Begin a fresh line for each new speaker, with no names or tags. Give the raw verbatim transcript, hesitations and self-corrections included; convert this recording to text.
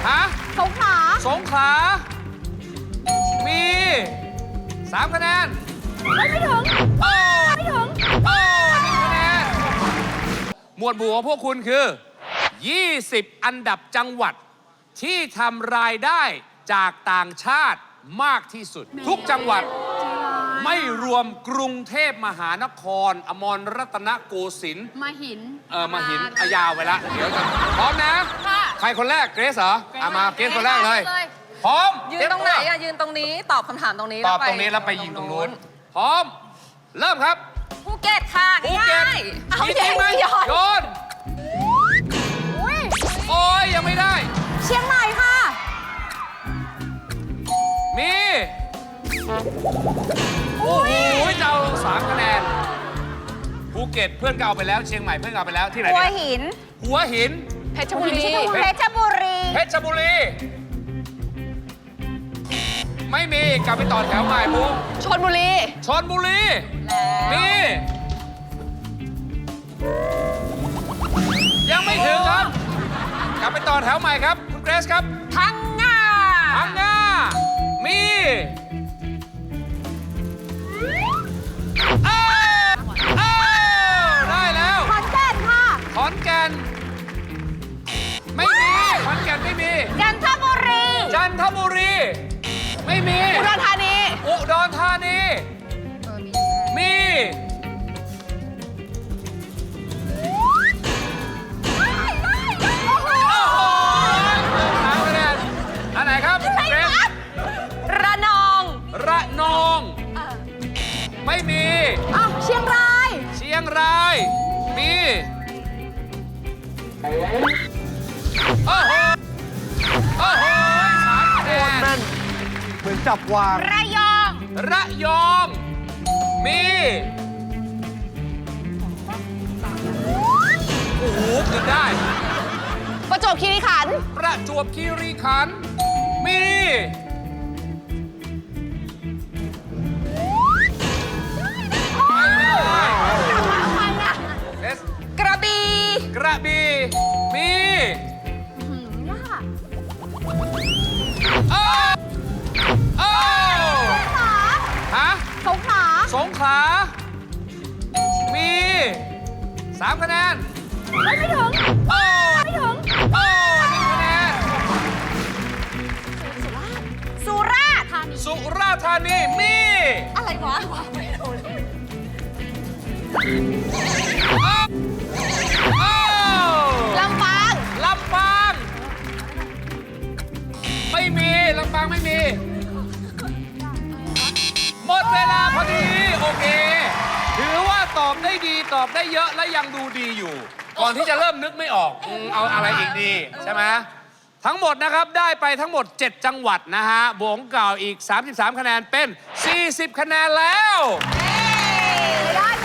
ฮะ
สงขลา
สงขลามีสามคะแนน
ไม่ถึง
โอ้
ไม่ถึง
โอ้หนึ่งคะแนนหมวดหมู่ของพวกคุณคือยี่สิบอันดับจังหวัดที่ทำรายได้จากต่างชาติมากที่สุดทุกจังหวัดไม่รวมกรุงเทพมหานครอมรรัตนโกสินทร์
มหิน
เออมหินอายาวไปละเดี๋ยวจะพร้อมนะใครคนแรกเกรซเหรอเอามาเกรซคนแรกเลยพร้อม
ยืนตรงไหนอะยืนตรงนี้ตอบคำถามตรงนี้
ตอบตรงนี้แล้วไปยิงตรงนู้นพร้อมเริ่มครับ
ภูเก็ตค่ะ
ภูเก็ต
เอา
จริงไหมโยนโอ้ยยังไม่ได้
เชียงใหม่ค่ะ
มีโอ้โหเจ้าสามคะแนนภูเก็ตเพื่อนก็เอาไปแล้วเชียงใหม่เพื่อนก็เอาไปแล้วที่ไหน
หัวหิน
หัวหิน
เพชรบุรี
เพชรบุรี
เพชรบุรีไม่มีกลับไปต่อแถวใหม่ปุ๊บ
ชลบุรี
ชลบุรีมียังไม่ถึงครับกลับไปต่อแถวใหม่ครับคุณเกรซครับ
พังงา
พังงามีอ้าวอ้าวได้แล้ว
ขอนแก่นค่ะ
ขอนแก่นไม่มีขอนแก่นไม่มี
จันทบุรี
จันทบุรีไม่มี
อุดรธานี
อุดรธานีมีอันไหนครับเกรซ
ระนอง
ระนองไม่มี
อ้าวเชียงราย
เชียงรายมีโอ้โหโอ้โหสามคะแนน
เหมือนจับวาง
ระยอง
ระยองมีโอ้โหเกินได้
ประจวบคีรีขันธ์
ประจวบคีรีขันธ์มี
กระบี่
กระบี่มีอ้าวอ้าวฮะ
สงขลา
สงขลามีสามคะแนน
ไม่ถึง
โอ้
ไม่ถึง
โอ้หนึ่งคะแนน
สุราษฎร์ธานี
สุราษฎร์ธานีมี
อะไรวะลำปาง
ลำปางไม่มีลำปางไม่มีหมดเวลาพอดีโอเคถือว่าตอบได้ดีตอบได้เยอะและยังดูดีอยู่ก่อนที่จะเริ่มนึกไม่ออกเอาอะไรอีกดีใช่ไหมทั้งหมดนะครับได้ไปทั้งหมดเจ็ดจังหวัดนะฮะบวกเก่าอีกสามสิบสามคะแนนเป็นสี่สิบคะแนนแล้ว
ได้